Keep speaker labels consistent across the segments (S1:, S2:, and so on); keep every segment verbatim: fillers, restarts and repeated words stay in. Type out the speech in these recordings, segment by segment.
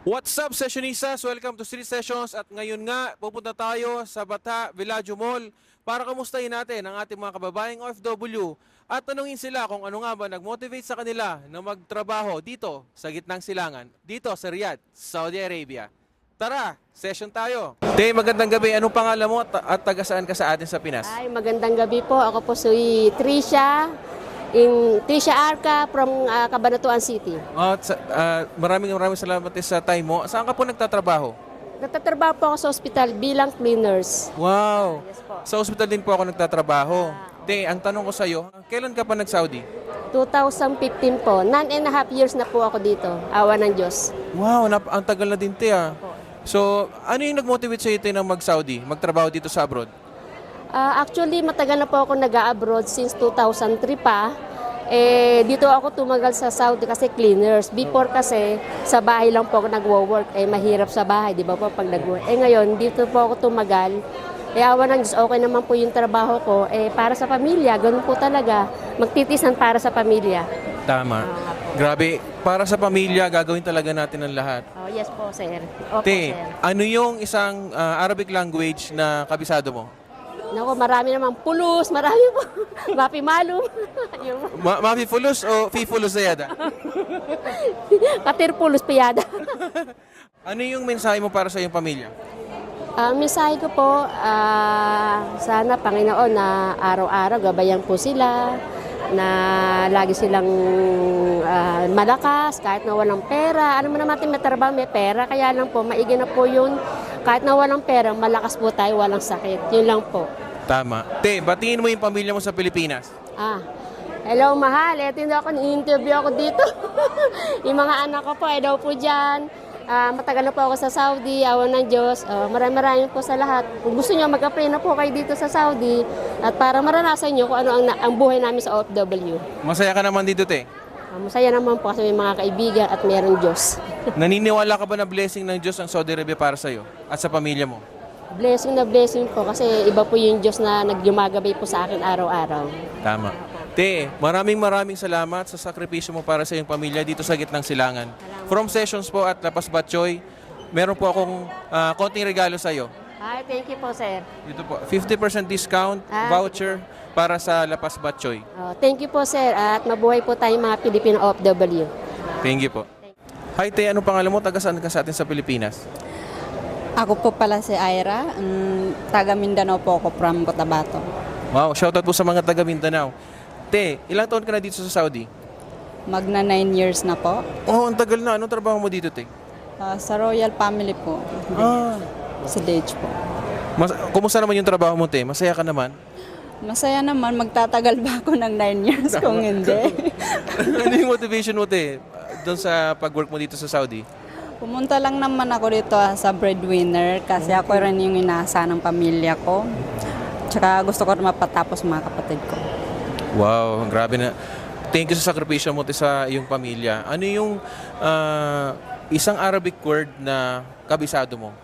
S1: What's up, Sessionistas? Welcome to Street Sessions at ngayon nga pupunta tayo sa Bata Villaggio Mall para kamustahin natin ang ating mga kababayang O F W at tanungin sila kung ano nga ba nag-motivate sa kanila na magtrabaho dito sa gitnang silangan, dito sa Riyadh, Saudi Arabia. Tara, session tayo. Te, magandang gabi. Anong pangalan mo at, at taga saan ka sa atin sa Pinas?
S2: Ay, magandang gabi po. Ako po si Trisha, in Trisha Arca from uh, Cabanatuan City.
S1: Oh, at sa- ah, maraming maraming salamat eh sa time mo. Saan ka po nagtatrabaho?
S2: Nagtatrabaho po ako sa ospital bilang cleaners.
S1: Wow!
S2: Yes po.
S1: Sa ospital din po ako nagtatrabaho. Te, ang tanong ko sa'yo, kailan ka pa nag-Saudi?
S2: twenty fifteen po. Nine and a half years na po ako dito. Awa ng Diyos.
S1: Wow, nap- ang tagal na din, te, ah. So, ano yung nag-motivate sa'yo, te, na mag-Saudi, magtrabaho dito sa abroad?
S2: Ah, actually, matagal na po ako nag-abroad since two thousand three pa. Eh, dito ako tumagal sa Saudi kasi cleaners. Before kasi, sa bahay lang po ako nagwo-work. Eh, mahirap sa bahay, di ba po, pag nag-work. Eh, ngayon, dito po ako tumagal. Eh, awa ng Diyos, okay naman po yung trabaho ko. Eh, para sa pamilya, ganun po talaga. Magtitisan para sa pamilya.
S1: Tama. Grabe, para sa pamilya, gagawin talaga natin ang lahat.
S2: Oh, yes po, sir. Opo,
S1: Te,
S2: sir.
S1: ano yung isang ah, Arabic language na kabisado mo?
S2: Naku, marami naman. Pulos, marami po. Mapi malum. Yung
S1: Ma Mafi Fulus o Fi Fulus Zayada?
S2: katir pulos piyada.
S1: Ano yung mensahe mo para sa iyong pamilya?
S2: Ang mensahe ko po, ah, sana Panginoon na araw-araw gabayan po sila, na lagi silang ah, malakas, kahit na walang pera. Ano mo naman natin may trabaho, may pera, kaya lang po, maigi na po yun. Kahit na walang pera, malakas po tayo, walang sakit. Yun lang po.
S1: Tama. Te, batiin mo yung pamilya mo sa Pilipinas.
S2: Ah, hello mahal, eto hindi ako, ni-interview ako dito. Yung mga anak ko po, eh daw po dyan. Ah, matagal na po ako sa Saudi, awan ng Diyos. Uh, maraming maraming po sa lahat. Kung gusto nyo, mag-apply na po kayo dito sa Saudi at para maranasan nyo kung ano ang, ang buhay namin sa O F W.
S1: Masaya ka naman dito, te.
S2: Ah, masaya naman po kasi may mga kaibigan at mayroong Diyos.
S1: Naniniwala ka ba na blessing ng Diyos ang Saudi Arabia para sa'yo at sa pamilya mo?
S2: Blessing na blessing po kasi iba po yung Diyos na nagyumagabay po sa akin araw-araw.
S1: Tama. Te, maraming maraming salamat sa sakripisyo mo para sa iyong pamilya dito sa gitnang silangan. From Sessions po at Lapas Batchoy, meron po akong ah, konting regalo sa iyo.
S2: Ay, thank you po, sir.
S1: Dito po, fifty percent discount
S2: Ah,
S1: voucher para sa Lapas Batchoy.
S2: Oh, thank you po, sir. At mabuhay po tayong mga Pilipino O F W.
S1: Thank you po. Hi, Te, anong pangalan mo? Taga saan ka sa atin sa Pilipinas?
S3: Ako po pala si Ira, um, taga Mindanao po ako from Cotabato.
S1: Wow, shoutout po sa mga taga Mindanao. Te, ilang taon ka na dito sa Saudi?
S3: Magna nine years na po.
S1: Oh, ang tagal na. Anong trabaho mo dito, Te?
S3: Uh, sa Royal Family po,
S1: Ah,
S3: sa D H po.
S1: mas, kumusta naman yung trabaho mo, Te? Masaya ka naman?
S3: Masaya naman, magtatagal ba ako ng nine years kung hindi?
S1: Ano yung motivation mo, Te, doon sa pag-work mo dito sa Saudi?
S3: Pumunta lang naman ako dito ah, sa breadwinner kasi ako rin yung inaasa ng pamilya ko. Tsaka gusto ko rin mapatapos mga kapatid ko.
S1: Wow, grabe na. Thank you sa sakripisyo mo, Te, sa iyong pamilya. Ano yung ah, isang Arabic word na kabisado mo?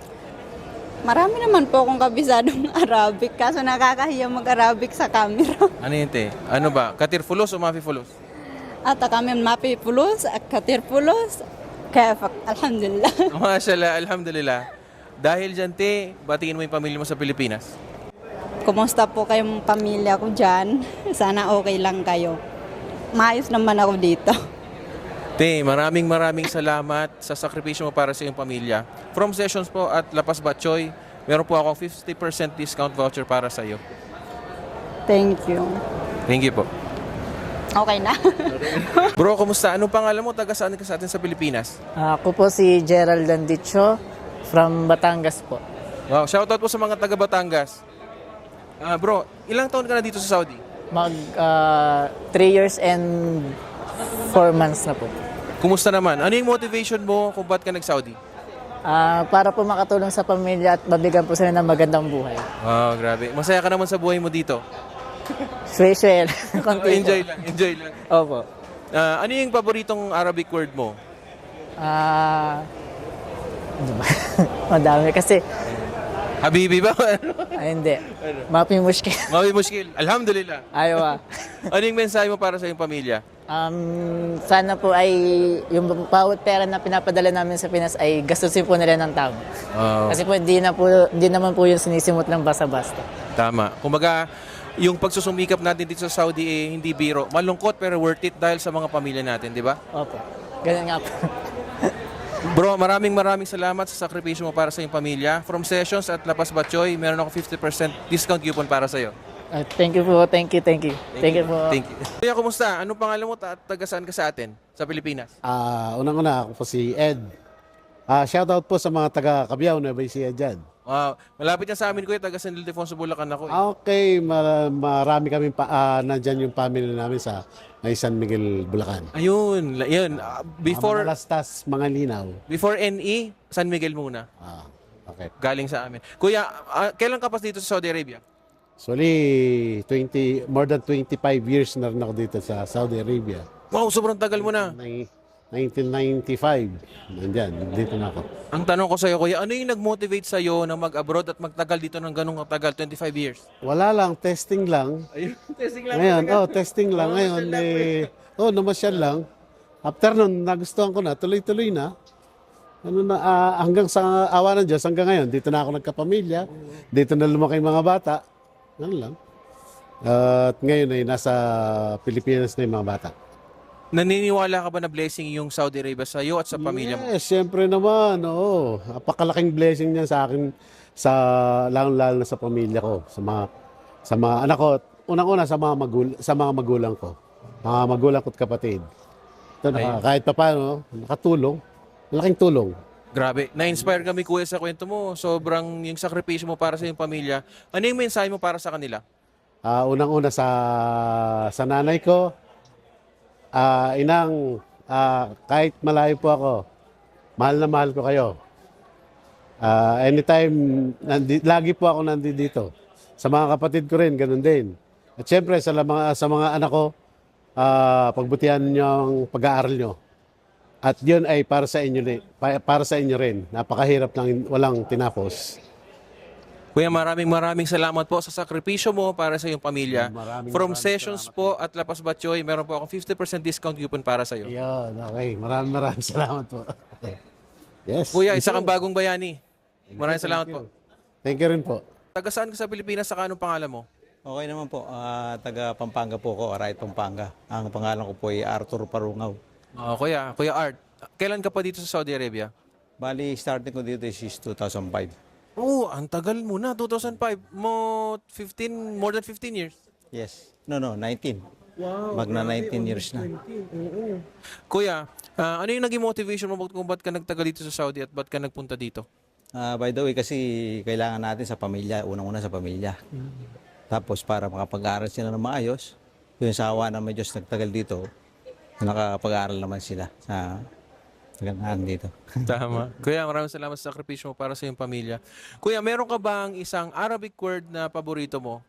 S3: Marami naman po akong kabisadong Arabic kaso nakakahiya mag-Arabic sa camera.
S1: Ano yun, Te? Ano ba? Katir fulos o mafi fulos?
S3: At kami mapi pulos, katir pulos, kaya alhamdulillah.
S1: Mashallah, alhamdulillah. Dahil dyan, Te, batiin mo yung pamilya mo sa Pilipinas.
S3: Kumusta po kayong pamilya ko dyan? Sana okay lang kayo. Maayos naman ako dito.
S1: Te, maraming maraming salamat sa sakripisyo mo para sa iyong pamilya. From Sessions po at Lapas Batchoy, meron po akong fifty percent discount voucher para sa iyo.
S3: Thank you.
S1: Thank you po.
S3: Okay na.
S1: Bro, kumusta? Anong pangalan mo? Taga saan ka sa atin sa Pilipinas?
S4: Ako po si Gerald Landicho from Batangas po.
S1: Wow, shoutout po sa mga taga Batangas. Ah, bro, ilang taon ka na dito sa Saudi?
S4: Mag uh, three years and four months na po.
S1: Kumusta naman? Ano yung motivation mo kung ba't ka nag-Saudi?
S4: Ah, para po makatulong sa pamilya at mabigyan po sila ng magandang buhay.
S1: Wow, grabe. Masaya ka naman sa buhay mo dito.
S4: Sway-sway. Konti
S1: enjoy
S4: po.
S1: lang, enjoy lang.
S4: Opo.
S1: Ah, ano yung paboritong Arabic word mo?
S4: Ah, ano ba? Madami kasi
S1: Habibi ba?
S4: Ay, hindi. Mapi mushkil.
S1: Mawi muskil. Alhamdulillah.
S4: Ayaw ah.
S1: Ano yung mensahe mo para sa iyong pamilya?
S4: Um, sana po ay yung bawat pera na pinapadala namin sa Pinas ay gastusin po nila ng tama.
S1: Oh,
S4: Kasi po hindi, na po, hindi naman po yung sinisimot ng basta-basta.
S1: tama. Kumbaga, yung pagsusumikap natin dito sa Saudi eh, hindi biro. Malungkot pero worth it dahil sa mga pamilya natin, di ba?
S4: Opo. Ganun nga po.
S1: Bro, maraming maraming salamat sa sakripisyo mo para sa iyong pamilya. From Sessions at Lapas Batchoy, meron ako fifty percent discount coupon para sa iyo.
S4: Uh, thank you po. Thank you, thank you. Thank, you po.
S1: Thank you. Kuya, kumusta? Anong pangalan mo at taga saan ka sa atin? Sa Pilipinas?
S5: Ah, unang-una ako po si Ed. Ah, shoutout po sa mga taga Cabiao, Nueva Ecija dyan.
S1: Wow. Malapit yan sa amin, kuya. Taga San Ildefonso, Bulacan ako. Eh.
S5: Okay, mar- marami kami pa ah, nandyan yung family namin sa may San Miguel, Bulacan.
S1: Ayun. la- Yun. Ah,
S5: Before,
S1: before,
S5: mga Lastas, mga Linaw.
S1: before N E, San Miguel muna.
S5: Ah, okay.
S1: Galing sa amin. Kuya, ah, kailan ka pa dito sa Saudi Arabia?
S5: Actually, twenty, more than twenty-five years na rin ako dito sa Saudi Arabia.
S1: Wow, sobrang tagal mo na.
S5: Ni- nineteen ninety-five, nandyan, dito na ako.
S1: Ang tanong ko sa'yo, kuya, ano yung nag-motivate sa'yo na mag-abroad at magtagal dito ng ganong katagal, twenty-five years?
S5: Wala lang, testing lang.
S1: Ayun, testing
S5: Ngayon, oh, testing lang. Ngayon, eh, oh, namasyal lang. After nun, nagustuhan ko na, tuloy-tuloy na. Ano na, ah, hanggang sa awa ng Diyos, hanggang ngayon, dito na ako nagkapamilya. Dito na lumaki yung mga bata. Ano lang. At ngayon ay nasa Pilipinas na yung mga bata.
S1: Naniniwala ka ba na blessing yung Saudi Arabia sa iyo at sa pamilya mo?
S5: Yes, syempre naman. Oo. Napakalaking blessing niya sa akin, sa lalong-lalo na sa pamilya ko, sa mga sa mga anak ko, unang-una sa mga magul sa mga magulang ko. Mga magulang ko at kapatid. Ito, naka, kahit pa paano, nakatulong. Malaking tulong.
S1: Grabe. Na-inspire kami, kuya, sa kwento mo. Sobrang yung sakripisyo mo para sa iyong pamilya. Ano yung mensahe mo para sa kanila?
S5: Ah, unang-una sa sa nanay ko, ah, inang, ah, kahit malayo po ako, mahal na mahal ko kayo. Ah, anytime, nandi, lagi po ako nandito. Sa mga kapatid ko rin, ganun din. At syempre, sa mga, sa mga anak ko, ah, pagbutihan niyo ang pag-aaral nyo. At yun ay para sa inyo, rin- pa- para sa inyo rin. Napakahirap lang, walang tinapos.
S1: Kuya, maraming maraming salamat po sa sakripisyo mo para sa iyong pamilya.
S5: Maraming
S1: From
S5: maraming
S1: Sessions po at Lapas Batchoy, meron po akong fifty percent discount coupon para sa iyo.
S5: Yun, okay. Maraming maraming salamat po. Yes.
S1: Kuya, isa kang bagong bayani. Maraming salamat po.
S5: Thank you rin po.
S1: Taga saan ka sa Pilipinas? Saka anong pangalan mo?
S6: Okay naman po. Ah, taga Pampanga po ako, Aray Pampanga. Ang pangalan ko po ay Arthur Parungaw.
S1: Oh, kuya, Kuya Art. Kailan ka pa dito sa Saudi Arabia?
S6: Bali, starting ko dito is two thousand five.
S1: Oh, ang tagal mo na, two thousand five. Mo fifteen, more than fifteen years.
S6: Yes. No, no, nineteen. Wow. Magna nineteen years na.
S1: Kuya, ah, ano yung naging motivation mo kung ba't ka nagtagal dito sa Saudi at ba't ka nagpunta dito?
S6: Ah, by the way, kasi kailangan natin sa pamilya, unang-una sa pamilya. Tapos para makapag-aaral sila ng maayos, yung sa awa ng may Diyos nagtagal dito, nakapag-aaral naman sila sa kagandahan dito.
S1: Tama. Kuya, maraming salamat sa sakripisyo mo para sa iyong pamilya. Kuya, meron ka bang isang Arabic word na paborito mo?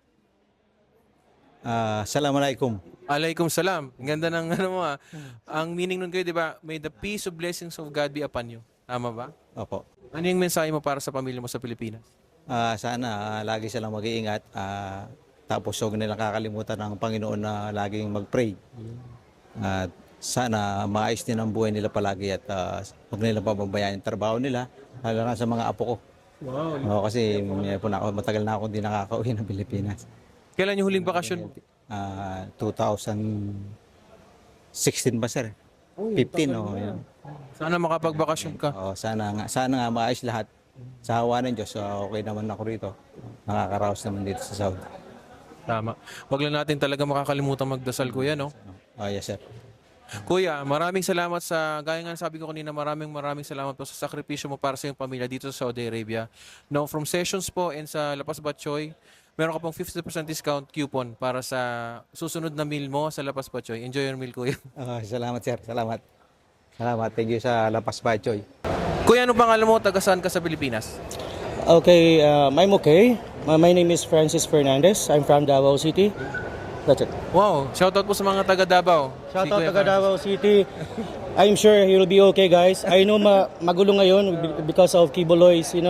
S6: Ah, Assalamualaikum.
S1: Alaikum salam. Ang ganda ng ano mo ah. Ang meaning nun kayo, di ba? May the peace of blessings of God be upon you. Tama ba?
S6: Opo.
S1: Ano yung mensahe mo para sa pamilya mo sa Pilipinas?
S6: Ah, sana ah, lagi silang mag-iingat. Ah, tapos huwag nilang kakalimutan ng Panginoon na laging mag-pray. At sana maayos din ang buhay nila palagi at ah, huwag nilang pababayaan yung trabaho nila, lalo na sa mga apo ko. Wow. kasi eh, po na ako, matagal na ako hindi nakakauwi ng Pilipinas.
S1: Kailan yung huling bakasyon mo?
S6: Ah, two thousand sixteen ba sir? fifteen oh, yun.
S1: Sana makapagbakasyon ka.
S6: Oh, sana nga sana nga maayos lahat. Sa hawa ng Diyos, ah, okay naman ako rito. Nakakaraos naman dito sa Saudi.
S1: Tama. Wag lang natin talaga makakalimutan magdasal, kuya, no?
S6: Oh, yes sir.
S1: Kuya, maraming salamat sa, gaya nga sabi ko kanina, maraming maraming salamat po sa sakripisyo mo para sa iyong pamilya dito sa Saudi Arabia. No, from Sessions po and sa Lapas Batchoy, meron ka pong fifty percent discount coupon para sa susunod na meal mo sa Lapas Batchoy. Enjoy your meal, kuya.
S6: Ah, salamat sir, salamat. Salamat, thank you sa Lapas Bachoy.
S1: Kuya, anong pangalan mo? Taga saan ka sa Pilipinas?
S7: Okay, um, I'm okay. My, my name is Francis Fernandez. I'm from Davao City. That's it.
S1: Wow, shoutout po sa mga taga Davao.
S7: Shout
S1: Si
S7: out
S1: Kuya
S7: to
S1: Francis.
S7: Davao City. I'm sure he will be okay, guys. I know ma magulo ngayon be- because of Kiboloy's, you know,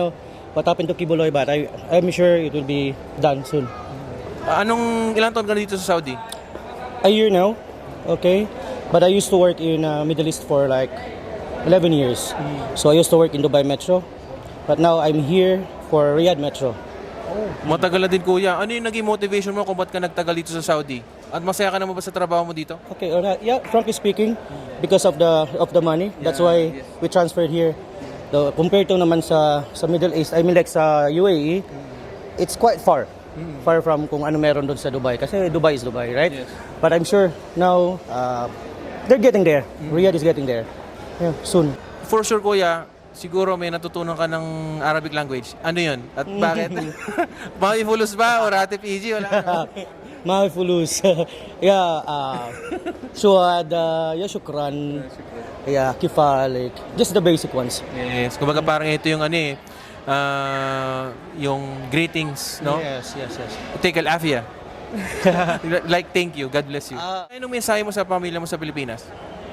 S7: what happened to Kibuloy, but I, I'm sure it will be done soon.
S1: Ah, anong ilang taon ka na dito sa Saudi?
S7: A year now, okay? But I used to work in uh, Middle East for like eleven years. So I used to work in Dubai Metro, but now I'm here for Riyadh Metro.
S1: Matagal na din kuya. Ano yung naging motivation mo kung ba't ka nagtagal dito sa Saudi? At masaya ka naman ba sa trabaho mo dito?
S7: Okay, alright. Yeah, frankly speaking, because of the of the money, that's why we transferred here. The, compared to naman sa sa Middle East, I mean like sa U A E, it's quite far. Far from kung ano meron doon sa Dubai. Kasi Dubai is Dubai, right? But I'm sure now, uh, they're getting there. Riyadh is getting there. Yeah, soon.
S1: For sure kuya, siguro may natutunan ka ng Arabic language. Ano yun? At bakit? Mawifulus ba? O Rati P G? Wala.
S7: Mahifulus. Yeah, uh, Shuad, uh, yeah, shukran. Yeah, kifalik. Just the basic ones.
S1: Yes. Kumbaga parang ito yung ano eh, ah, yung greetings, no?
S7: Yes, yes, yes.
S1: Take al-afia. Like, thank you. God bless you.
S7: Ah.
S1: Anong mensahe mo sa pamilya mo sa Pilipinas?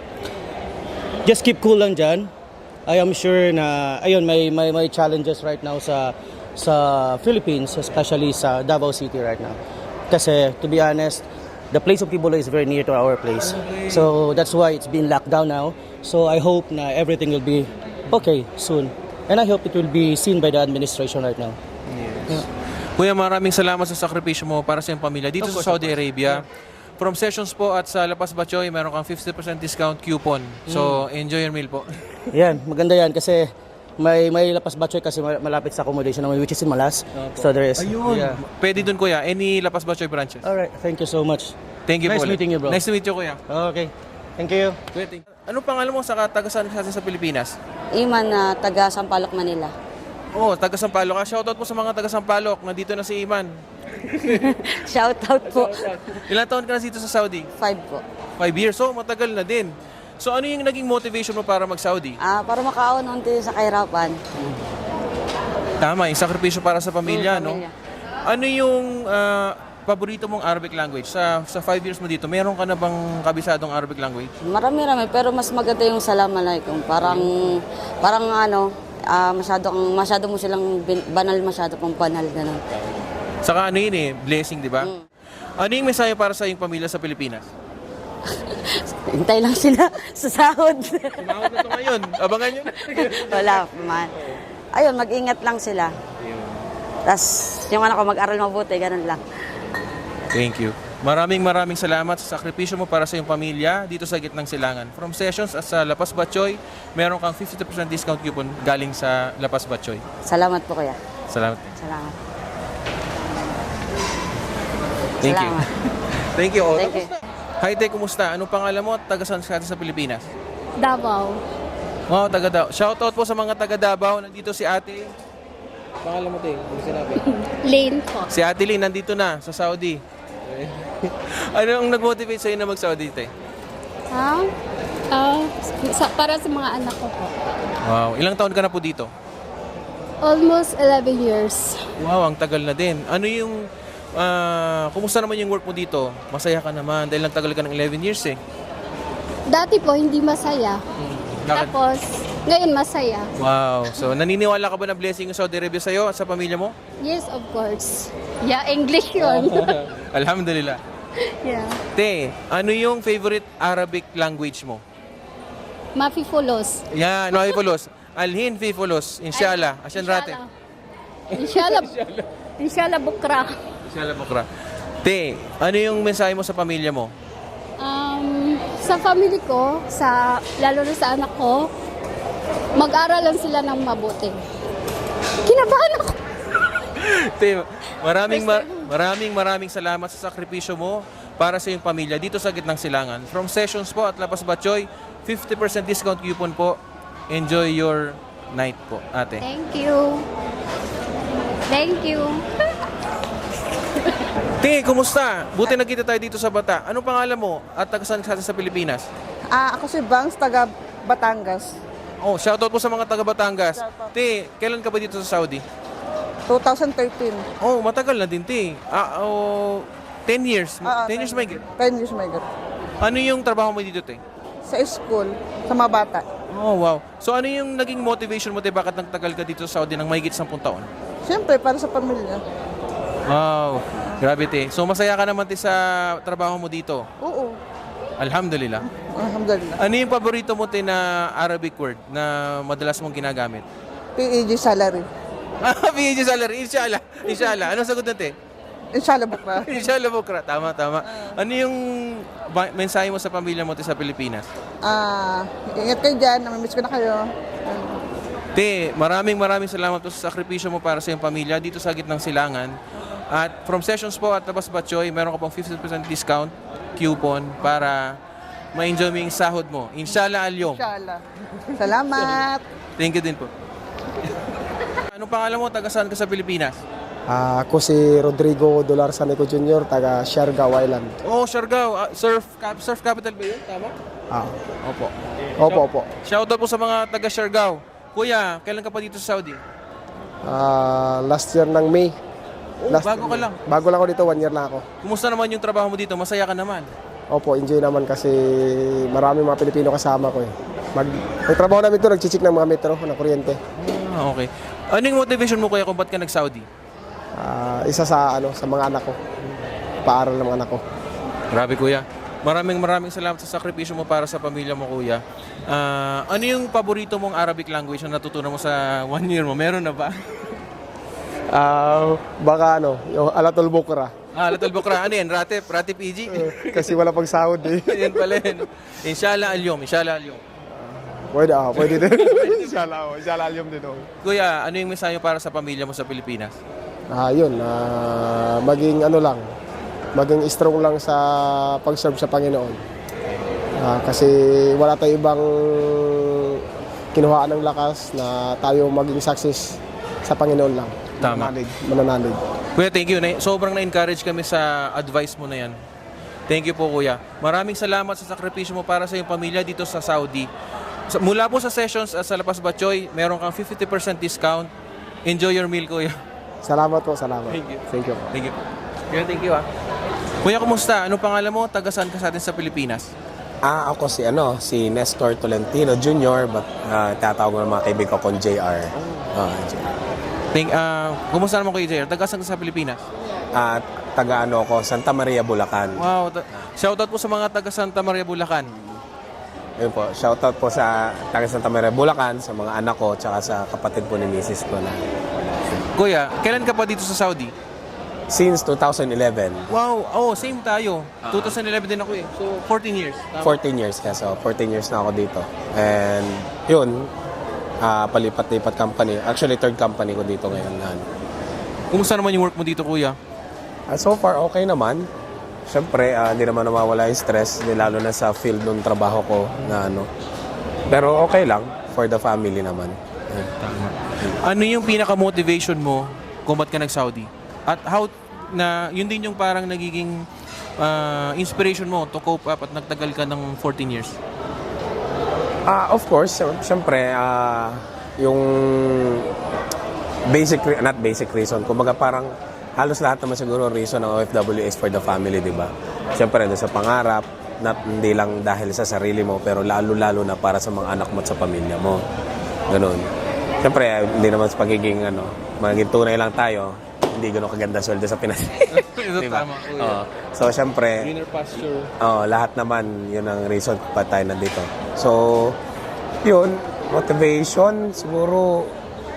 S7: Just keep cool lang dyan. I am sure na, ayun, may, may, may challenges right now sa sa Philippines, especially sa Davao City right now. Kasi, to be honest, the place of Kibuloy is very near to our place. So, that's why it's been locked down now. So, I hope na everything will be okay soon. And I hope it will be seen by the administration right now.
S1: Kuya, maraming salamat sa sakripisyo mo para sa iyong pamilya dito sa Saudi Arabia. From Sessions po at sa Lapas Batchoy, meron kang fifty percent discount coupon. So, enjoy your meal po.
S7: Yan, maganda yan kasi may may Lapas Batchoy kasi mal- malapit sa accommodation namin, which is in Malas. So there is. Yeah.
S1: Pwede dun kuya, any Lapas Batchoy branches.
S7: Alright, thank you so much.
S1: Thank you
S7: Nice
S1: po ulit.
S7: meeting you, bro.
S1: Nice to meet you, kuya.
S7: Okay, thank you.
S1: Kuya, thank you. Ano pangalan mo sa taga-saan ka sa Pilipinas?
S8: Iman na taga Sampaloc, Manila.
S1: Oo, oh, taga Sampaloc ka. Shoutout po sa mga taga Sampaloc. Nandito na si Iman.
S8: Shout out po.
S1: Ilang taon ka na dito sa Saudi?
S8: Five po.
S1: Five years. So, matagal na din. So, ano yung naging motivation mo para mag-Saudi?
S8: Ah, para makaon unti sa kahirapan.
S1: Tama, yung sakripisyo para sa pamilya,
S8: Mm,
S1: no?
S8: pamilya.
S1: Ano yung ah, paborito mong Arabic language? Sa sa five years mo dito, meron ka na bang kabisadong Arabic language?
S8: Marami-rami, pero mas maganda yung salam alaikum. Parang, parang ano, ah, masyado, kang- masyado mo silang bin- banal, masyado pang banal, gano'n.
S1: Saka ano yun eh, blessing, di ba?
S8: Mm.
S1: Ano yung mensahe para sa iyong pamilya sa Pilipinas?
S8: Hintay lang sila sa sahod.
S1: Tumawag na ito ngayon. Abangan nyo na.
S8: Wala man. Ayun, mag-ingat lang sila. Tapos, yung anak ko mag-aral mabuti, ganun lang.
S1: Thank you. Maraming maraming salamat sa sakripisyo mo para sa iyong pamilya dito sa Gitnang Silangan. From Sessions at sa Lapas Batchoy, meron kang fifty percent discount coupon galing sa Lapas Batchoy.
S8: Salamat po, kuya.
S1: Salamat.
S8: Salamat.
S1: Thank you.
S8: Salamat.
S1: Thank you. Oh,
S8: Thank you.
S1: Hi, Te, kumusta? Anong pangalan mo at taga saan ka sa Pilipinas?
S2: Davao.
S1: Wow, taga Davao. Shoutout po sa mga taga Davao. Nandito si Ate. Pangalan mo, Te? Ano sinabi?
S2: Lane po.
S1: Si Ate Lynn nandito na sa Saudi. Ano ang nag-motivate sa'yo na mag-Saudi, Te?
S2: Ha? Ah, sa, para sa mga anak ko po.
S1: Wow. Ilang taon ka na po dito?
S2: Almost eleven years.
S1: Wow, ang tagal na din. Ano yung... ah, kumusta naman yung work mo dito? Masaya ka naman dahil ang tagal ka ng eleven years eh.
S2: Dati po, hindi masaya.
S1: Bakit?
S2: Tapos, ngayon masaya.
S1: Wow. So, naniniwala ka ba na blessing yung Saudi Arabia sa'yo at sa pamilya mo?
S2: Yes, of course. Yeah, English yun.
S1: Alhamdulillah.
S2: yeah.
S1: Te, ano yung favorite Arabic language mo?
S2: Mafifulos.
S1: Yan, no, Fifulos. Alhin Fifulos. Inshallah. Asyan rate.
S2: Inshallah. Inshallah bukra.
S1: Inshallah bukra. Te, ano yung mensahe mo sa pamilya mo?
S2: Um, sa family ko, sa lalo na sa anak ko, mag-aral lang sila ng mabuti. Kinabahan ako.
S1: Te, maraming mar- maraming maraming salamat sa sakripisyo mo para sa iyong pamilya dito sa Gitnang Silangan. From Sessions po at Lapas Batchoy, fifty percent discount coupon po. Enjoy your night po, ate.
S2: Thank you. Thank you.
S1: Te, kumusta? Buti nagkita tayo dito sa Bata. Anong pangalan mo at taga saan ka sa Pilipinas?
S9: Ah, ako si Bangs, taga Batangas.
S1: Oh, shoutout po sa mga taga Batangas. Te, kailan ka ba dito sa Saudi?
S9: twenty thirteen.
S1: Oh, matagal na din, te. Ah, oh, ten years.
S9: Ah, ah,
S1: ten years may
S9: ten years may God.
S1: Ano yung trabaho mo dito, te?
S9: Sa school, sa mga bata.
S1: Oh, wow. So ano yung naging motivation mo, te? Bakit nagtagal ka dito sa Saudi ng mahigit sampung taon?
S9: Siyempre, para sa pamilya.
S1: Wow. Grabe, te. So masaya ka naman, te, sa trabaho mo dito?
S9: Oo.
S1: Alhamdulillah.
S9: Alhamdulillah.
S1: Ano yung paborito mo, te, na Arabic word na madalas mong ginagamit?
S9: P E G salary.
S1: Ah, P H salary. Inshallah. Inshallah. Anong sagot natin?
S9: Inshallah bukra.
S1: Inshallah, bukra. Tama, tama. Ano yung ba- mensahe mo sa pamilya mo, te, sa Pilipinas?
S9: Ah, ingat kayo dyan. Namimiss ko na kayo.
S1: Te, maraming maraming salamat po sa sakripisyo mo para sa iyong pamilya dito sa gitnang silangan. At from Sessions po at Labas Batchoy, meron ka pong fifty percent discount coupon para ma-enjoy mo yung sahod mo. Inshallah alyom.
S9: Inshallah. Salamat.
S1: Thank you din po. Anong pangalan mo? Taga saan ka sa Pilipinas?
S10: Ah, ako si Rodrigo Dolar Saneco Junior, taga Siargao Island.
S1: Oh, Siargao. Ah, surf, cap, surf capital ba yun? Tama?
S10: Ah,
S1: Opo.
S10: opo, opo.
S1: Shoutout po sa mga taga Siargao. Kuya, kailan ka pa dito sa Saudi?
S10: Ah, last year ng May.
S1: Oh,
S10: Last
S1: bago ka lang.
S10: Bago lang ako dito, one year lang ako.
S1: Kumusta naman yung trabaho mo dito? Masaya ka naman?
S10: Opo, enjoy naman kasi marami mga Pilipino kasama ko eh. Mag, ang trabaho namin ito, nagchichik ng mga metro, ng kuryente.
S1: Ah, okay. Ano yung motivation mo, kuya, kung ba't ka nag-Saudi?
S10: Ah, isa sa ano sa mga anak ko. Paaral ng mga anak ko.
S1: Grabe, kuya. Maraming maraming salamat sa sakripisyo mo para sa pamilya mo, kuya. Ah, ano yung paborito mong Arabic language na natutunan mo sa one year mo? Meron na ba?
S10: Ah, baka ano, yung Alatul Bukra.
S1: Ah, Latul Bukra. Ano yan? Ratip? Ratip E G?
S10: Kasi wala pang sahod eh.
S1: Yan pala yun. Inshallah alyom. Inshallah alyom.
S10: Pwede ah, pwede din. Inshallah, oh, inshallah alyom din oh.
S1: Kuya, ano yung mensahe para sa pamilya mo sa Pilipinas?
S10: Ah, yun, ah, maging ano lang, maging strong lang sa pag-serve sa Panginoon. Ah, kasi wala tayong ibang kinuhaan ng lakas na tayo maging success sa Panginoon lang.
S1: Tama.
S10: Mananalig. Mananalig.
S1: Kuya, thank you. Na- Sobrang na-encourage kami sa advice mo na yan. Thank you po, kuya. Maraming salamat sa sakripisyo mo para sa iyong pamilya dito sa Saudi. Sa- Mula po sa Sessions at sa Lapas Batchoy, meron kang fifty percent discount. Enjoy your meal, kuya.
S10: Salamat po, salamat.
S1: Thank you.
S10: Thank you.
S1: Thank you. Kuya, thank you, ah. Kuya, kumusta? Anong pangalan mo? Taga saan ka sa atin sa Pilipinas?
S11: Ah, ako si ano, si Nestor Tolentino Junior, but uh, tatawag ko ng mga kaibigan kong J R. Ah, J R.
S1: Thank, ah, kumusta naman kuya J R? Taga saan ka sa Pilipinas?
S11: At taga ano ko, Santa Maria, Bulacan.
S1: Wow. Ta- shoutout po sa mga taga Santa Maria, Bulacan.
S11: Ayun po, shoutout po sa taga Santa Maria, Bulacan, sa mga anak ko, tsaka sa kapatid po ni Missus ko na.
S1: Kuya, kailan ka pa dito sa Saudi?
S11: Since two thousand eleven,
S1: Wow, oh, same tayo. twenty eleven din ako eh. So, fourteen years. Tama.
S11: fourteen years ka, so fourteen years na ako dito. And yun, ah, palipat-lipat company. Actually, third company ko dito ngayon na ano.
S1: Kumusta naman yung work mo dito, kuya?
S11: Ah, so far, okay naman. Siyempre, ah, hindi naman nawawala yung stress, di lalo na sa field ng trabaho ko na ano. Pero okay lang, for the family naman. Ayun.
S1: Ano yung pinaka-motivation mo kung ba't ka nag-Saudi? At how, na, yun din yung parang nagiging ah, inspiration mo to cope up at nagtagal ka ng fourteen years?
S11: Ah, of course, sy- siyempre, ah, yung basic, re- not basic reason, kumbaga parang halos lahat naman siguro reason ng O F W is for the family, di ba? Siyempre, doon sa pangarap, not, hindi lang dahil sa sarili mo, pero lalo-lalo na para sa mga anak mo at sa pamilya mo. Ganun. Siyempre, ah, hindi naman sa pagiging, ano, magiging tunay lang tayo, hindi gano'ng kaganda sweldo sa Pinas.
S1: Ito
S11: Diba?
S1: tama, kuya.
S11: Oo. So, siyempre,
S1: Greener pasture.
S11: oh, lahat naman, yun ang reason kung ba't tayo nandito. So, yun, motivation, siguro,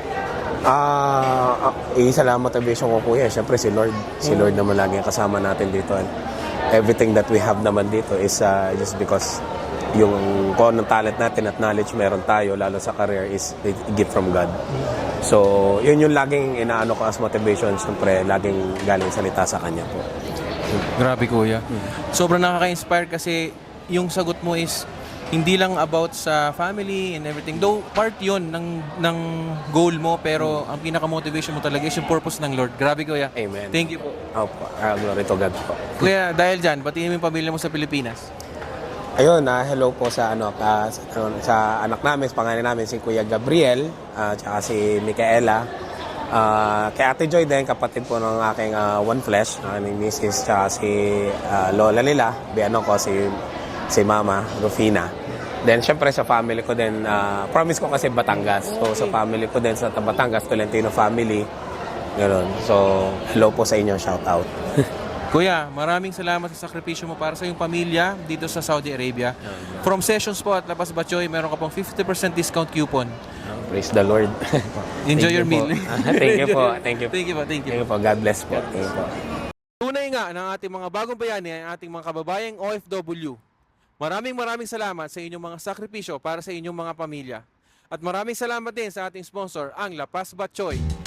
S11: ah, uh, isa lang motivation ko, kuya, siyempre si Lord. Si Lord naman lagi ang kasama natin dito. And everything that we have naman dito is uh, just because yung kung anong talent natin at knowledge meron tayo, lalo sa career, is a gift from God. So, yun yung laging inaano ko as motivation, siyempre, laging galing salita sa Kanya po.
S1: Grabe, kuya. Sobrang nakaka-inspire kasi yung sagot mo is hindi lang about sa family and everything. Though part yun ng, ng goal mo, pero ang pinaka-motivation mo talaga is yung purpose ng Lord. Grabe, kuya.
S11: Amen.
S1: Thank you po.
S11: Opo, uh, glory to God po.
S1: Kuya, dahil dyan, batiin mo yung pamilya mo sa Pilipinas.
S11: Ayun, ah, hello po sa ano ka, sa, sa anak namin, sa pangalan namin si Kuya Gabriel, at uh, si Micaela. Ah, kay Ate Joy din, kapatid po ng aking ah, One Flesh, aking missus, tsaka si ah, Lola nila, biano ko si si Mama Rufina. Then, syempre sa family ko din, ah, promise ko kasi Batangas. So, sa family ko din sa Batangas, Tolentino family. Ganun. So, hello po sa inyo, shout out.
S1: Kuya, maraming salamat sa sakripisyo mo para sa iyong pamilya dito sa Saudi Arabia. From Sessions po at Lapas Batchoy, meron ka pong fifty percent discount coupon.
S11: Praise the Lord.
S1: Enjoy
S11: Thank
S1: your
S11: you po.
S1: meal.
S11: Thank you po. Thank you.
S1: Thank you po. Thank you.
S11: Thank you po. God bless po. Thank you po.
S1: Tunay nga ng ating mga bagong bayani ay ating mga kababayang O F W. Maraming maraming salamat sa inyong mga sakripisyo para sa inyong mga pamilya. At maraming salamat din sa ating sponsor, ang Lapas Batchoy.